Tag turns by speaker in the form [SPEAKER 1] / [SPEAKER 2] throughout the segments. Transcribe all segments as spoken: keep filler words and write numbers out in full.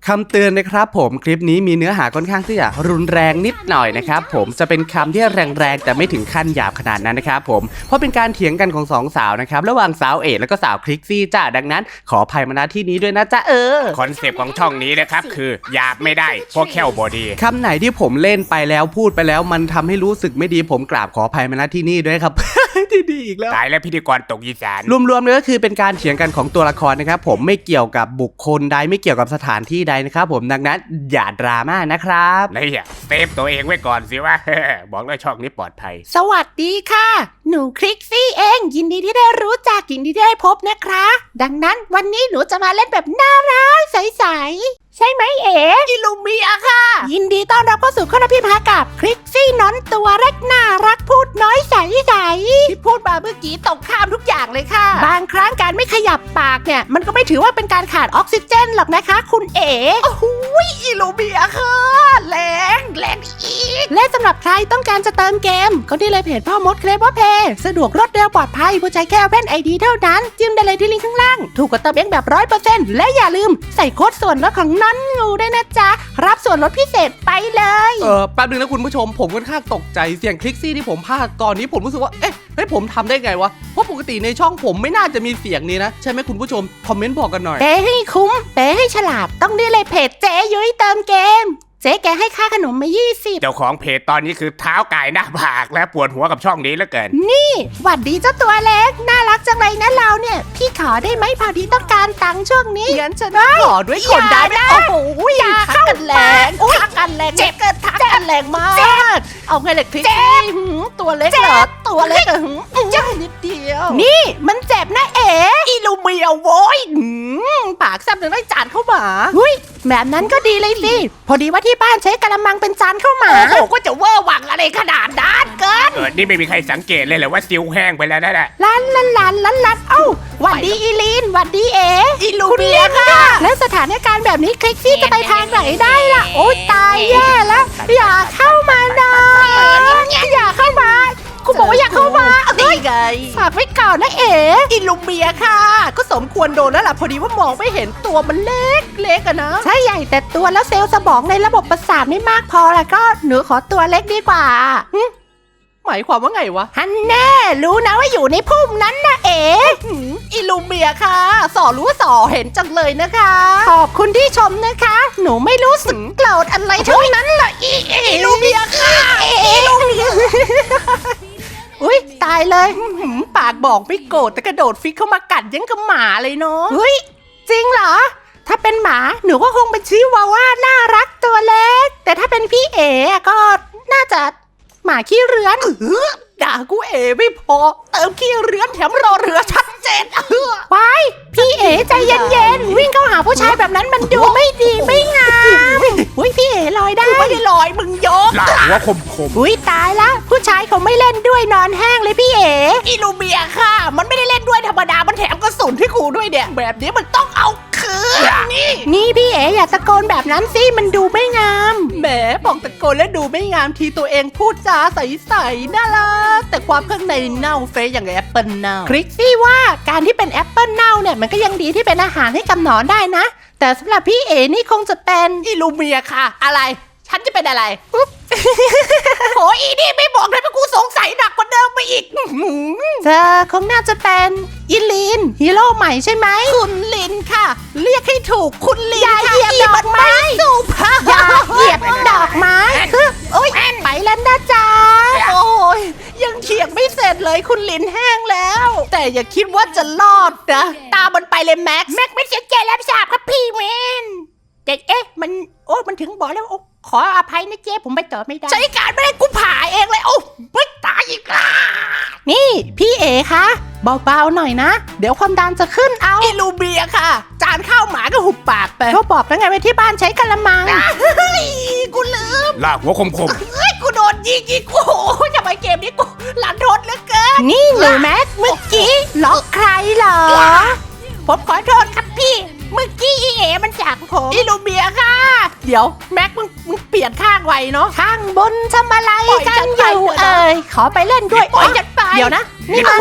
[SPEAKER 1] คำเตือนนะครับผมคลิปนี้มีเนื้อหาค่อนข้างที่จะรุนแรงนิดหน่อยนะครับผมจะเป็นคำที่แรงๆแต่ไม่ถึงขั้นหยาบขนาดนั้นนะครับผมเพราะเป็นการเถียงกันของสองสาวนะครับระหว่างสาวเอ๋แล้วก็สาวคลิกซี่จ้าดังนั้นขออภัยมาณที่นี้ด้วยนะจ๊ะเออ
[SPEAKER 2] คอนเซปต์ของช่องนี้นะครับคือหยาบไม่ได้พวกแค่วบอดี
[SPEAKER 1] คำไหนที่ผมเล่นไปแล้วพูดไปแล้วมันทำให้รู้สึกไม่ดีผมกราบขออภัยมาณที่นี้ด้วยครับ ที่ดีอีกแล้ว
[SPEAKER 2] ตายแล้วพิธีกรตกอีสาน
[SPEAKER 1] รวมๆเลยก็คือเป็นการเถียงกันของตัวละครนะครับผมไม่เกี่ยวกับบุคคลใดไม่เกี่ยวกับสถานที่ใดนะครับผมดังนั้นอย่าดราม่านะครับ
[SPEAKER 2] นี่อ่ะเซฟตัวเองไว้ก่อนสิวะ บอกเลยช่องนี้ปลอดภัย
[SPEAKER 3] สวัสดีค่ะหนูคลิกซี่เองยินดีที่ได้รู้จักยินดีที่ได้พบนะคะดังนั้นวันนี้หนูจะมาเล่นแบบน่ารักใสๆใช่ไหมเอ๋อิลูเมียค่ะยินดีต้อนรับเข้าสู่ข้อพิพากับคลิกซี่น้อนตัวเล็กน่ารักพูดน้อยใสๆที่พูดมาเมื่อกี้ตกข้ามทุกอย่างเลยค่ะบางครั้งการไม่ขยับปากเนี่ยมันก็ไม่ถือว่าเป็นการขาดออกซิเจนหรอกนะคะคุณเอ๋โอ้โหอิลูเมียค่ะแรงแรงอีกและสำหรับใครต้องการจะเติมเกมก็ที่เลยเพจพ่อมดเคลเวอร์เพย์สะดวกรวดเร็วปลอดภัยผู้ใช้แค่แว่นไอดีเท่านั้นจิ้มได้เลยที่ลิงก์ข้างล่างถูกกว่าเติมเองแบบร้อยเปอร์เซ็นต์และอย่าลืมใส่โค้ดส่วนลดของน้อนงูด้วยนะจ๊ะรับส่วนลดพิเศษไปเลย
[SPEAKER 1] เออแป๊บนึงนะคุณผู้ชมผมค่อนข้างตกใจเสียงคลิกซี่ที่ผมพากย์ตอนนี้ผมรู้สึกว่าเอ๊ะเฮ้ยผมทำได้ไงวะเพราะปกติในช่องผมไม่น่าจะมีเสียงนี้นะใช่ไหมคุณผู้ชมคอมเมนต์บอกกันหน่อย
[SPEAKER 3] เป๊ให้คุ้มเป๊ให้ฉลาดต้องได้เลยเพจเจ๊ยุ้ยเติมเกมเจ๊แกให้ค่าขนมมายี่สิบ
[SPEAKER 2] เจ้าของเพจตอนนี้คือเท้าไก่หน้าผากและปวดหัวกับช่องนี้เหลือเกิน
[SPEAKER 3] นี่หวัดดีเจ้าตัวเล็กน่ารักจังเลยนะเราเนี่ยพี่ขอได้ไหมพอดีต้องการตังค์ช่วงนี้
[SPEAKER 1] งั้นฉันขอด้วยคนได้ไหม
[SPEAKER 3] โอ้โหอย่าเข้ากันแรงทักกันแรงเจ็บเกินทักกันแรงมากเอาไงเล็กคลิกตัวเล็กเหรอตัวเล็กเหรอจ้านิดเดียวนี่มันเจ็บนะเอ๋
[SPEAKER 1] อีลูเมียโว้ยปากแซ่บถึงได้จานเข้ามา
[SPEAKER 3] หุ้ยแบบนั้นก็ดีเลยสิพอดีว่าที่บ้านใช้กระมังเป็นจานเข้ามา
[SPEAKER 1] โอ้โหก็จะเวอร์วังอะไรขนาดนั้นเกิน
[SPEAKER 2] เออนี่ไม่มีใครสังเกตเลยเหรอว่าซิวแห้งไปแล้วนั่นแหละ
[SPEAKER 3] ลันลันลันลันลันเอ้าหวัดดีอีลีนหวัดดีเอ๋
[SPEAKER 1] อีลูเมียค่ะ
[SPEAKER 3] และสถานการณ์แบบนี้คลิกซี่จะไปทางไหนได้ล่ะโอ๊ยตายแย่แล้วอย่าเข้ามานะอย่าเข้ามากูบอกว่าอย่าเข้ามา
[SPEAKER 1] ดีไง
[SPEAKER 3] ฝากไว้ก่อนนะเอ๋
[SPEAKER 1] อิลูเมียค่ะก็สมควรโดนแล้วล่ะพอดีว่ามองไม่เห็นตัวมันเล็กเล็กอะนะ
[SPEAKER 3] ใช่ใหญ่แต่ตัวแล้วเซลล์สมองในระบบประสาทไม่มากพอแล้วก็หนูขอตัวเล็กดีกว่า
[SPEAKER 1] หมายความว่าไงวะ
[SPEAKER 3] ฮันแน่รู้นะว่าอยู่ในพุ่มนั้นนะเอ๋
[SPEAKER 1] อิลูเมียค่ะสอรู้สอเห็นจังเลยนะคะ
[SPEAKER 3] ขอบคุณที่ชมนะคะหนูไม่รู้สึกโกรธอะไรทั้งนั้นล่ะอี
[SPEAKER 1] อิลูเมียค่ะ
[SPEAKER 3] อิลูเมียอุ้ยตายเลย
[SPEAKER 1] ปากบอกไม่โกรธแต่กระโดดฟิกเข้ามากัดยังกับหมาเลยเนาะ
[SPEAKER 3] อุ้ยจริงเหรอถ้าเป็นหมาหนูก็คงเป็นชิวาว่าน่ารักตัวเล็กแต่ถ้าเป็นพี่เอ๋ก็น่าจะหมาขี้เรือน
[SPEAKER 1] ด่ากูเอ๋ไม่พอเติมขี้เรือนแถมรอเรือชัดเจนเออ
[SPEAKER 3] ไปพี่เอ๋ใจเย็นๆวิ่งเข้าหาผู้ชายแบบนั้นมันดูไม่ดีไม่งามอุ้ยพี่เอ๋ลอยได้
[SPEAKER 1] ไม่ได้ลอยมึงยก
[SPEAKER 2] หลังว่าคมคม
[SPEAKER 3] อุ้ยตายละผู้ชายเขาไม่เล่นด้วยนอนแห้งเลยพี่เอ๋
[SPEAKER 1] อิลูเมียค่ะมันไม่ได้เล่นด้วยธรรมดามันแถมกระสุนให้กูด้วยเนี่ยแบบนี้มันต้องเอาคืนนี่
[SPEAKER 3] นี่พี่เอ๋อย่าตะโกนแบบนั้นสิมันดูไม่งาม
[SPEAKER 1] แหมบอกตะโกนและดูไม่งามทีตัวเองพูดจาใสๆน่ารักแต่ความข้างในเน่าเฟยอย่างแอปเปิลเน่า
[SPEAKER 3] คลิกซี่ว่าการที่เป็นแอปเปิลเน่าเนี่ยมันก็ยังดีที่เป็นอาหารให้กับหนอนได้นะแต่สำหรับพี่เอ๋นี่คงจะเป็น
[SPEAKER 1] อิลูเมียค่ะอะไรฉันจะเป็นอะไรโอ้ยอีนี่ไม่บอกเลยเพราะกูสงสัยหนักกว่าเดิมไปอีก
[SPEAKER 3] เธอคงน่าจะเป็นอิลีนฮีโร่ใหม่ใช่ไหม
[SPEAKER 1] คุณลินค่ะเรียกให้ถูกคุณลิน
[SPEAKER 3] อย่าเหยียบดอกไม้
[SPEAKER 1] สุภาพ
[SPEAKER 3] อย่าเหยียบดอกไม้โอ๊ยไปแล้วนะจ๊ะ
[SPEAKER 1] โอ้ยยังเขียงไม่เสร็จเลยคุณลินแห้งแล้วแต่อย่าคิดว่าจะรอดนะตามันไปเลยแม็กซ์
[SPEAKER 3] แม็กซ์ไม่เสียใจแล้วทราบครับพี่เวนแต่เอ๊ะมันโอ้มันถึงบอกแล้วโอ้ขออภัยนะเจ๊ผมไปต่อไม่ได้
[SPEAKER 1] ใช้การไม่ได้กูผ่าเองเลยโอ้ไม่ตายอีกล่ะ
[SPEAKER 3] นี่พี่เอ๋คะเบาๆหน่อยนะเดี๋ยวความดันจะขึ้นเอา
[SPEAKER 1] อิลูเบียค่ะจานข้าวหมาก็หุบปากไป
[SPEAKER 3] ก็บอกแล้วไงว่าที่บ้านใช้กระมัง
[SPEAKER 1] เฮ้ยกูลืม
[SPEAKER 2] ลากหัวคมคม
[SPEAKER 1] เฮ้ยกูโดนยิงยิงกูโอ้ยทำไมเกมนี้กูหลันทดเหลือเกิน
[SPEAKER 3] นี่หนูแม็กเมื่อกี้ล็อกใครเหรอ
[SPEAKER 1] ผมขอโทษครับพี่เมื่อกี้อีเอ๋มันจากผมอิลูเบียค่ะเดี๋ยวแม็กมึงมึงเปลี่ยนข้างไวเนาะ
[SPEAKER 3] ข้างบนทำอะไรกันอยู่เอ้ยขอไปเล่นด้วย
[SPEAKER 1] ปล่อยฉันไป
[SPEAKER 3] เดี๋ยวนะนี่มัน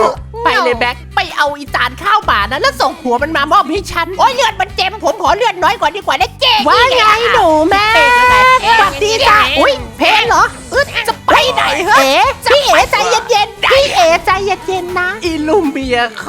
[SPEAKER 3] ไปเลยแบ็คไปเอาอีจานข้าวหมานะแล้วส่งหัวมันมามอบให้ฉันโอ้ยเลือดมันเจ็มผมขอเลือดน้อยกว่าดีกว่านะเจ๊ว่าไงหนูแม่สวัสดีจ้าอุ้ยเพลงเหรออึดจะไปไหนเหรอเอ๋พี่เอ๋ใจเย็นๆพี่เอ๋ใจเย็นๆนะอิลูเมียค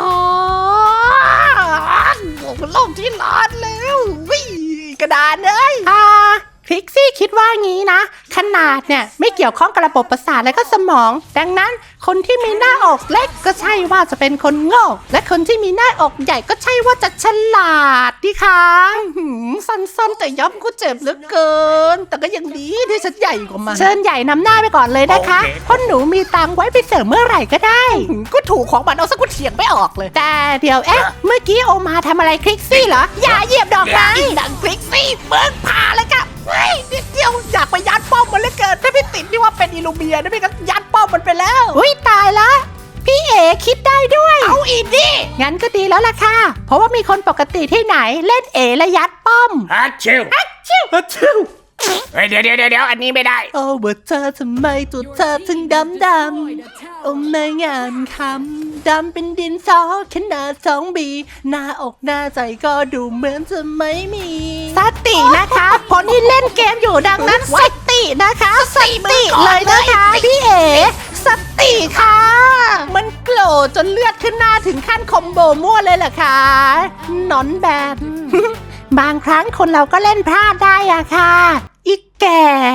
[SPEAKER 3] อนโลกที่ร้อนแล้ววิ่งกระดานเลยอ่าคลิกซี่คิดว่างี้นะขนาดเนี่ยไม่เกี่ยวข้องกับระบบประสาทและก็สมองดังนั้นคนที่มีหน้าอกเล็กก็ใช่ว่าจะเป็นคนโง่และคนที่มีหน้าอกใหญ่ก็ใช่ว่าจะฉลาดดิคะหืมสั้นๆแต่ย้ำก็เจ็บเหลือเกินแต่ก็ยังดีที่ฉันใหญ่กว่ามันเชิญใหญ่นำหน้าไปก่อนเลยนะคะเพราะหนูมีตังค์ไว้ไปเสริมเมื่อไหร่ก็ได้ก็ถูกของมันเอาสักกูเถียงไม่ออกเลยแต่เดี๋ยวเอ๊ะเมื่อกี้โอมาทำอะไรคลิกซี่เหรออย่าเหยียบดอกไม้ดังคลิกซี่เบิกผ่าเลยค่ะเฮ้ยนิดเดียวอยากไปยัดป้อมมันเหลือเกินถ้าพี่ติดนี่ว่าเป็นอิลูเมียนะพี่ก็ยัดป้อมมันไปแล้วอุ้ยตายละพี่เอ๋คิดได้ด้วยเอาอีกดิงั้นก็ดีแล้วล่ะค่ะเพราะว่ามีคนปกติที่ไหนเล่นเอ๋และยัดป้อม
[SPEAKER 2] ฮัทชิว
[SPEAKER 3] ฮัทชิวฮัทชิว
[SPEAKER 2] เฮ้ยเดี๋ยวเดี๋ยวเดี๋ยวอันนี้ไม่ได้
[SPEAKER 3] โอ้ว่าเธอทำไมตัวเธอถึงดำดำโอ้ไม่งามคำดำเป็นดินสอขนาดสองบีหน้าอกหน้าใจก็ดูเหมือนจะไม่มีสตินะคะเพราะนี่เล่นเกมอยู่ดังนั้นสตินะคะสติเลยนะคะพี่เอ๋สติค่ะมันโกรธจนเลือดขึ้นหน้าถึงขั้นคอมโบมั่วเลยเหรอคะหนอนแบบ บางครั้งคนเราก็เล่นพลาดได้อะค่ะอีกแก่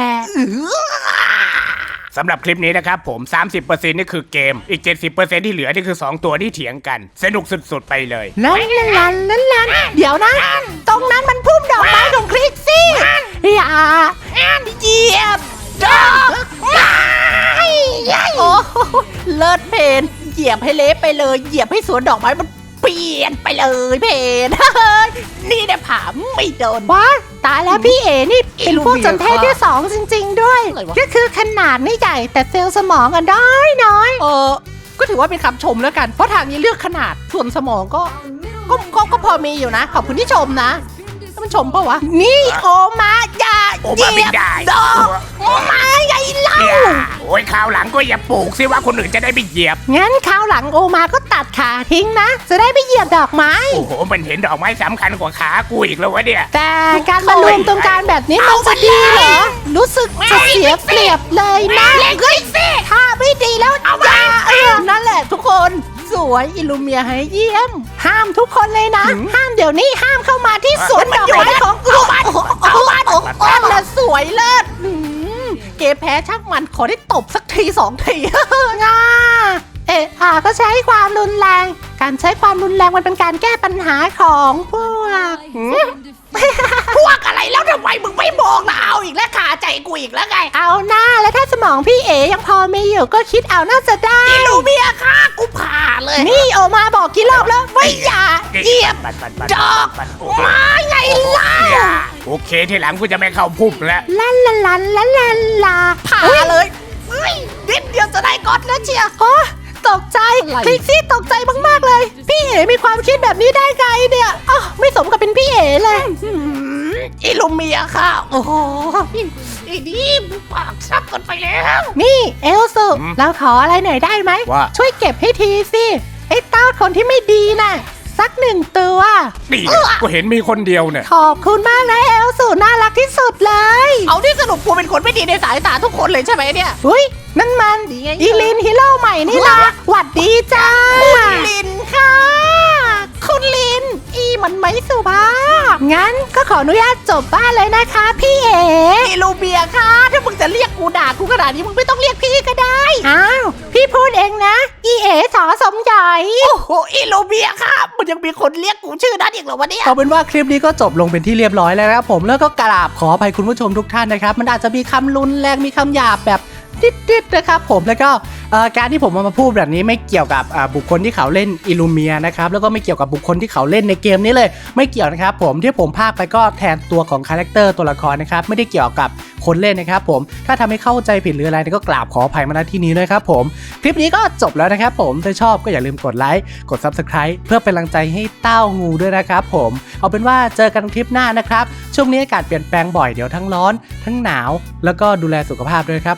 [SPEAKER 2] สำหรับคลิปนี้นะครับผม สามสิบเปอร์เซ็นต์ นี่คือเกมอีก เจ็ดสิบเปอร์เซ็นต์ ที่เหลือนี่คือสองตัวที่เถียงกันสนุกสุดๆไปเลย
[SPEAKER 3] ลันลันลันลันลันเดี๋ยวนะ ตรงนั้นมันพุ่มดอกไม้ของคลิกซี่อย่าเหยียบดอกไม้โอ้เลิศเพนเหยียบให้เละไปเลยเหยียบให้สวนดอกไม้มันเปลี่ยนไปเลยเพนนี่เนี่ยผาไม่โดนว้าตายแล้วพี่เอ๋นี่เป็นพวกจนเทศที่สองจริงๆด้วยก็คือขนาดไม่ใหญ่แต่เซลล์สมองอ่ะน้อยน้อยเออก็ถือว่าเป็นคำชมแล้วกันเพราะทางนี้เลือกขนาดส่วนสมองก็ก็ก็ก็พอมีอยู่นะขอบคุณที่ชมนะมันชมปะวะนี่โอมาอย่า
[SPEAKER 2] โอมาไม่ได้
[SPEAKER 3] ดอกโอมาไงเล่า
[SPEAKER 2] โอ้ยคราวหลังก็อย่าปลูกสิว่าคนอื่นจะได้ไปเหยียบ
[SPEAKER 3] งั้นคราวหลังโอมาก็ตัดขาทิ้งนะ จะได้ไปเหยียบดอกไม้
[SPEAKER 2] โอ้โหมันเห็นดอกไม้สำคัญกว่าขากูอีกแล้ววะเนี่ย
[SPEAKER 3] แต่การมารวมตรงกลางแบบนี้มันจะดีเหรอ รู้สึกจะเสียเปรียบเลยนะเฮ้ยถ้าไม่ดีแล้วอย่าเออนั่นแหละทุกคนสวยอิลูเมียให้เยี่ยม ห้ามทุกคนเลยนะ ห้ามเดี๋ยวนี้ห้ามเข้ามาที่สวนดอกไม้ของกูโอ้โหโอ้โหโอ้โหโอ้โหและสวยเลิศหืมเกแพ้ช่างมันขอได้ตบสักทีสองทีง่าเอะอาก็ใช้ความรุนแรง การใช้ความรุนแรงมันเป็นการแก้ปัญหาของพวก พวกอะไรแล้วทำไมมึงไม่บอกล่ะเอาอีกแล้วขาใจกูอีกแล้วไง เอาหน้าแล้วถ้าสมองพี่เอ๋ยังพอมีอยู่ก็คิดเอาน่าจะได้อิลูเมียค่ะกูผ่าเลย นี่โอมาบอกกี่รอบแล้วไม่อย่าเหยียบดอกไม้ไงล่ะ
[SPEAKER 2] โอเคทีหลังกูจะไม่เข้าพุ่มแล้ว
[SPEAKER 3] ลันลันลันลันลันลาผ่าเลยเฮ้ยนิดเดียวจะได้ก๊อตแล้วเชียร์โอ้ตกใจคลิกซี่ตกใจมากๆเลยพี่เอ๋มีความคิดแบบนี้ได้ไงเนี่ยอ๋อไม่สมกับเป็นพี่เอ๋เลยอิลูเมียค่ะโอ้โหอีนี่ปากซับกันไปแล้วนี่เอลซูเราขออะไรหน่อยได้ไหม
[SPEAKER 2] ว่า
[SPEAKER 3] ช่วยเก็บให้ทีสิไอ้เต้าคนที่ไม่ดีน่ะสักหนึ่งตัว
[SPEAKER 2] นี่ก็เห็นมีคนเดียวเนี่ย
[SPEAKER 3] ขอบคุณมากนะเอลสูน่ารักที่สุดเลย เอาที่สรุปกูเป็นคนไม่ดีในสายตาทุกคนเลยใช่ไหมเนี่ยอุ้ยนั่นมันอีลินฮีโร่ใหม่นี่นะหวัดดีจ้าคุณลินค่ะคุณลินอีมันไม่สุภาพงั้นก็ขออนุญาตจบบ้านเลยนะคะพี่เอ๋อีลูเบียค่ะถ้ามึงจะเรียกกูด่ากูขนาดนี้มึงไม่ต้องเรียกพี่ก็ได้อ้าวพี่พูดเองนะอีเอ๋สอสมใหญ่โอ้โหอีลูเบียค่ะมันยังมีคนเรียกกูชื่อนั้นอีกเหรอวะเนี่ย
[SPEAKER 1] เอาเป็นว่าคลิปนี้ก็จบลงเป็นที่เรียบร้อยแล้วนะครับผมแล้วก็กราบขออภัยคุณผู้ชมทุกท่านนะครับมันอาจจะมีคำรุนแรงมีคำหยาบแบบดิดๆนะครับผมแล้วก็เอ่อการที่ผมเอามาพูดแบบนี้ไม่เกี่ยวกับอ่าบุคคลที่เขาเล่นอิลูเมียนะครับแล้วก็ไม่เกี่ยวกับบุคคลที่เขาเล่นในเกมนี้เลยไม่เกี่ยวนะครับผมที่ผมพากไปก็แทนตัวของคาแรคเตอร์ตัวละครนะครับไม่ได้เกี่ยวกับคนเล่นนะครับผมถ้าทำให้เข้าใจผิดหรืออะไรก็กราบขออภัยมาณที่นี้ด้วยครับผมคลิปนี้ก็จบแล้วนะครับผมถ้าชอบก็อย่าลืมกดไลค์กด ซับสไครบ์ เพื่อเป็นกำลังใจให้เต้างูด้วยนะครับผมเอาเป็นว่าเจอกันคลิปหน้านะครับช่วงนี้อากาศเปลี่ยนแปลงบ่อยเดี๋ยวทั้งร้อนทั้งหนาวแล้วก็ดูแลสุขภาพด้วยครับผมหา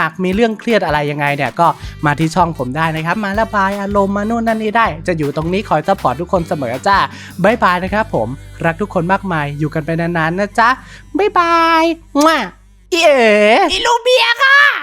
[SPEAKER 1] ากมีเรื่องเครียดอะไรยังไงเนี่ยก็มาที่ช่องผมได้นะครับมาระบายอารมณ์มานู่นนั่นนี่ได้จะอยู่ตรงนี้คอยซัพพอร์ตทุกคนเสมอจ้าบ๊ายบายนะครับผมรักทุกคนมากมายอยู่กันไปนานๆนะจ๊ะบ๊ายบายมั่วอีเอ๋
[SPEAKER 3] อิลูเมีย